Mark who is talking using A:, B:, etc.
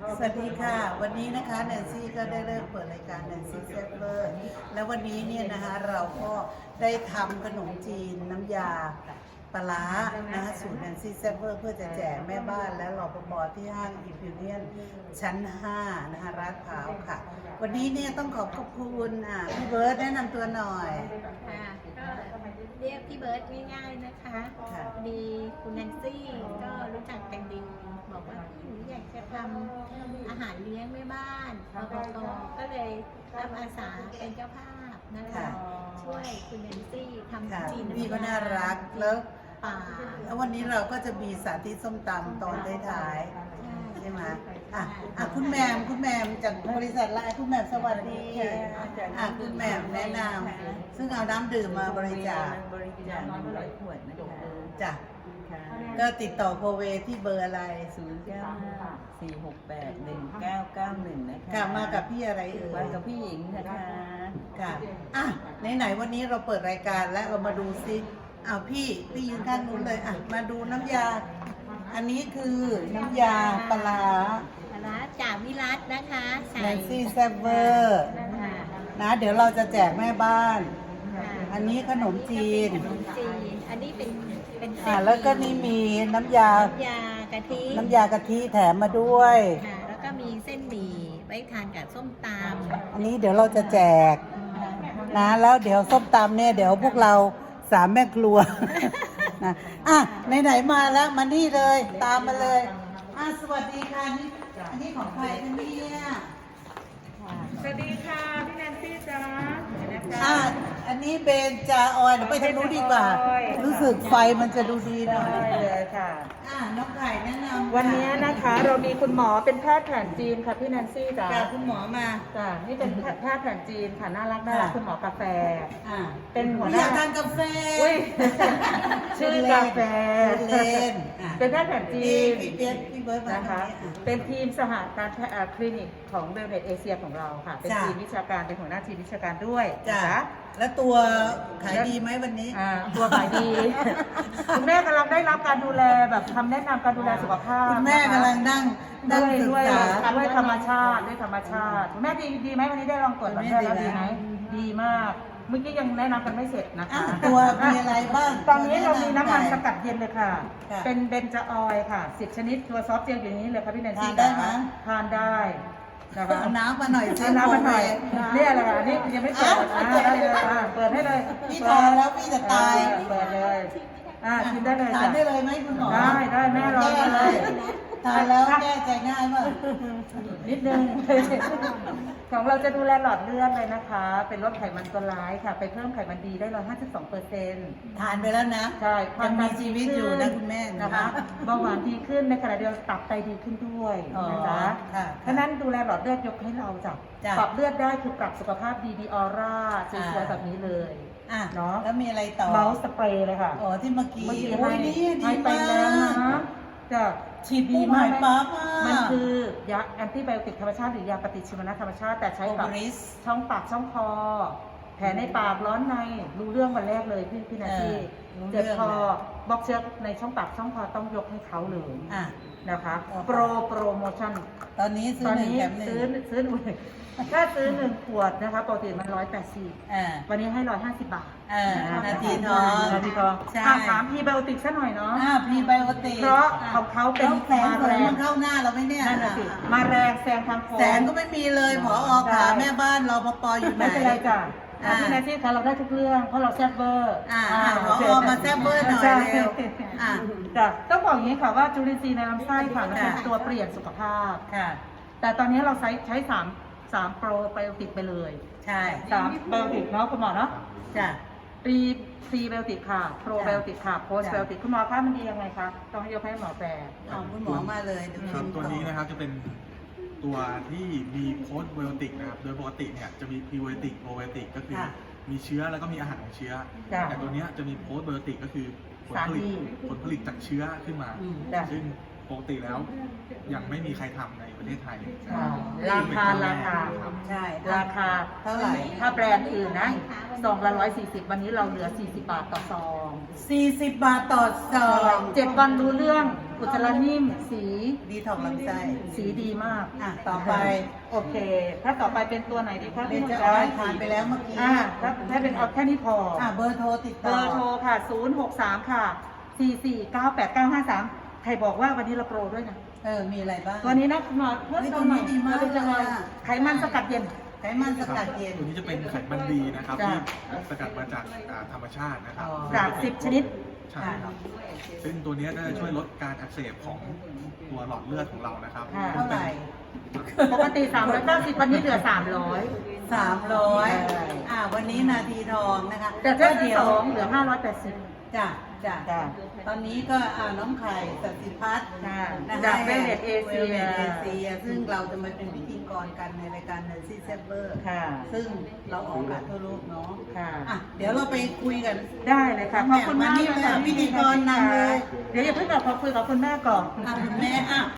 A: สวัสดีค่ะวันนี้นะคะแนนซี่ก็ได้เริ่มเปิดรายการแนนซี่แซ่บเวอร์แล้ววันนี้เนี่ยนะคะเราก็ได้ทำขนมจีนน้ำยาปลาร้านะคะสูตรแนนซี่แซ่บเวอร์เพื่อจะแจกแม่บ้านและรปภที่ห้างอิมพีเรียนชั้น5นะคะลาดพร้าวค่ะวันนี้เนี่ยต้องขอบคุณพี่เบิร์ดแนะนำตัวหน่อย
B: ค่ะก็เรียกพี่เบิร์ดง่ายๆนะคะมีคุณแนนซี่ก็รู้จักกันดีบอกว่าหนูอยากจะทำอาหารเลี้ยงแม่บ้านรปภก็เลยรับอาสาเป็นเจ้าภาพนะคะช่วยคุณแนนซี่ทำจีน
A: พี่ก็น่ารักแล้ววันนี้เราก็จะมีสาธิตส้มตำตอนท้ายๆใช่ไหมคุณแมมจากบริษัทไลน์คุณแมมสวัสดีคุณแมมแนะนำซึ่งเอาน้ำดื่มมาบริจาค
C: 100 ขวดนะคะ
A: จ้ะก็ติดต่อโคเวที่เบอร์อะไร
C: 0954681991นะคะ
A: มากับพี่อะไร
C: มากับพี่หญิงนะคะ
A: ค่ะไหนวันนี้เราเปิดรายการและเรามาดูซิพี่ยืนข้างนู้นเลยมาดูน้ำยาอันนี้คือน้ำยาปลาร้า
B: จากวิรัตนะคะ
A: แนนซี่แซ่บเวอร์นะเดี๋ยวเราจะแจกแม่บ้านอันนี้ขนมจีน
B: อันนี้เป็น
A: แล้วก็นี่มีน้ำยากะทิแถมมาด้วย
B: แล้วก็มีเส้นหมี่ไว้ทานกับส้มตำ
A: อันนี้เดี๋ยวเราจะแจกนะแล้วเดี๋ยวส้มตำเนี่ยเดี๋ยวพวกเรา3 แม่ครัวนะไหนมาแล้วมานี่เลยตามมาเลยสวัสดีค่ะนี่อันนี้ของใครคะเนี่ย
C: สวัสดีค่ะพี่แนนซี่จ้า
A: อันนี้เบนจาออยเดี๋ยวไปทางนู้นดีกว่ารู้สึกไฟมันจะดูดีหน่อย
C: เลยค่ะ
A: น้องไข่แนะนำ
C: วันนี้นะคะเรามีคุณหมอเป็นแพทย์แผนจีนค่ะพี่แนนซี่จ้า
A: คุณหมอมา
C: จ้านี่เป็นแพทย์แผนจีนค่ะน่ารักคุณหมอกาแฟเป็นหัวห
A: น้าอยากทานกาแฟ
C: ชื่อกาแฟเป็นแพทย์แผนจีน
A: พี่เบิร์ด
C: นะคะเป็นทีมสหการคลินิกของเวลเนสเอเชียของเราค่ะเป็นทีมวิชาการเป็นหัวหน้าทีมวิชาการด้วย
A: จ้ะแล้วตัวขายดีไหมวันนี้
C: ตัวขายดีคุณแม่กำลังได้รับการดูแลแบบคำแนะนำการดูแลสุขภาพ
A: คุณแม่กำลังนั่ง
C: ด้วยธรรมชาติคุณแม่ดีไหมวันนี้ได้ลองตรวจแม่แล้วดีไหมดีมากเมื่อกี้ยังแนะนำกันไม่เสร็จนะคะ
A: ตัวมีอะไรบ้าง
C: ตอนนี้เรามีน้ำมันสกัดเย็นเลยค่ะเป็นเบนจาออยล์ค่ะ10 ชนิดตัวซอฟต์เจลอย่างนี้เลยค่ะพี่แนนซี่
A: ได้ไหม
C: ทานได้
A: เอาน้ำมาหน่อย
C: น้ำมาหน่อยนี่อะไรคะนี่ยังไม่เปิดได้เลยเปิดให้เลย
A: พี่ทานแล้วพี่จะตาย
C: เปิดเลยกินได้เลย
A: ทานได้เลยไหมคุณหมอ
C: ได้แม่รอเลย
A: ทานแล้วแก้ใจง่ายมาก
C: นิดนึงของเราจะดูแลหลอดเลือดเลยนะคะเป็นลดไขมันตัวร้ายค่ะไปเพิ่มไขมันดีได้152%
A: ทานไปแล้วนะ
C: ใช่
A: ยังมีชีวิตอยู่นะคุณแม่
C: นะคะเบาหวานดีขึ้นในขณะเดียวกันตับไตดีขึ้นด้วยนะคะเพราะนั้นดูแลหลอดเลือดยกให้เราจับปรับเลือดได้คือปรับสุขภาพดีออร่าสวยๆแบบนี้เลย
A: เนาะแล้วมีอะไรต่อ
C: เมาส์สเปรย์เลยค่ะ
A: ที่เมื่อกี้
C: ให้ไปแล้วนะจะ
A: ฉีดดีมาก
C: มันคือยาแอนติไบโอติกธรรมชาติหรือยาปฏิชีวนะธรรมชาติแต่ใช้กับช่องปากช่องคอแผลในปากร้อนในรู้เรื่องวันแรกเลยพี่นาทีเจ็บคอบล็อกเชื้อในช่องปากช่องคอต้องยกให้เขาเลยนะคะโปรโมชั่น
A: ตอนนี้ซื้อ
C: ถ้าซื้อ1 ขวดนะคะปกติมัน180วันนี้ให้150 บาท
A: นาทีทอง
C: ถามพรีไบโอติกซะหน่อยเนาะ
A: พรีไบโอติก
C: เพราะของเขาเป็น
A: มาแรงเข้าหน้าเราไม่เนี่ย
C: มาแรงแซงทางโค้ง
A: แสนก็ไม่มีเลยผอขาแม่บ้านรปภอยู่ไหน
C: ไม่เป็นไรจ้ะพี่แนนซี่คะเราได้ทุกเรื่องเพราะเราแซ่บเวอร์
A: ผอมาแซ่บเวอร์หน่อยเร็ว
C: จ้ะต้องบอกอย่างนี้ค่ะว่าจุลินทรีย์ในลำไส้ค่ะมันเป็นตัวเปลี่ยนสุขภาพแต่ตอนนี้เราใช้3 โปรไบโอติกไปเลย
A: ใช่
C: 3 ไบโอติกเนาะคุณหมอเนาะ
A: จ้ะ
C: พรีไบโอติกค่ะโปรไบโอติกค่ะโพสไบโอติกคุณหมอคะมันดียังไงคะต้องให้ยกให้หมอแปล
A: คุณหมอมาเลย
D: ครับตัวนี้นะครับจะเป็นตัวที่มีโพสไบโอติกนะครับโดยปกติเนี่ยจะมีพรีไบโอติกโปรไบโอติกก็คือมีเชื้อแล้วก็มีอาหารของเชื้อแต่ตัวนี้จะมีโพสไบโอติกก็คือผลผลิตจากเชื้อขึ้นมาซึ่งปกติแล้วยังไม่มีใครทำในประเทศไทย
C: ราคา
A: ใช่
C: ราคา
A: เท่าไหร่
C: ถ้าแบรนด์อื่นนะซองละ140วันนี้เราเหลือ40 บาทต่อซอง
A: 40 บาทต่อซอง
C: 7 วันรู้เรื่องอุจจาระนิ่มสี
A: ดีทองลำไส้
C: สีดีมาก
A: อ่ะต่อไป
C: โอเค ถ้าต่อไปเป็นตัวไหนดีคะ
A: เบน
C: พี่
A: จะ
C: นุ่น
A: ออ
C: จ๊ะ
A: ยทานไปแล้วเมื่อกี้
C: ถ้าเป็นเอาแค่นี้พอ
A: เบอร์โทรติด
C: เบ
A: ต่อ
C: อร์โทรค่ะ 063 ค่ะ 4498953 ใครบอกว่าวันนี้เราโปรด้วยนะ
A: มีอะไรบ้าง
C: ตัวนี้นะคุณหมอเพิ่ม
A: เฮ้ย
C: เติมหน่อย
A: ตัวนี้ดีมาก
C: จะหน่อย
A: เลยอะ
C: ไขมันสกัดเย็น
A: ไขมันสกัดเย็น
D: ตัวนี้จะเป็นไขมันดีนะครับ
C: จ้ะ
D: ที่สกัดมาจากธรรมชาตินะครับ
A: อ๋อ
C: จาก10 ชนิด
D: ใช่ครับ ซึ่งตัวเนี้ยก็จะช่วยลดการอักเสบของตัวหลอดเลือดของเรานะครับ
C: ค่ะ
A: เท่าไหร่
C: ปกติ390วันนี้เหลือ 300
A: 300วันนี้นาทีทองนะคะ
C: แต่ถ้า
A: ก็
C: ที่
A: เดี๋ยว
C: 2เหลือ 580
A: จ้ะ
C: จ้ะ
A: ตอนนี้ก็น้องไข่สัสิพัฒน์
C: ค่ะ
A: นะคะ
C: จาก Velvet Asia
A: Velvet Asia ซึ่งเราจะมาเป็นพิธีกรกันในรายการ Nancy s a p p e r
C: ค่ะ
A: ซึ่งเราออกอากาศทั่วโลกเนาะ
C: ค่ะ
A: เดี๋ยวเราไปคุยกัน
C: ได้เลยค่ะ ขอบคุณมาก
A: มานี่เลยค่ะพิธีกรนำเลย
C: เดี๋ยวอย่าเพิ่งกลับขอคุยกับคุณแม่ก่อน
A: คุณแม่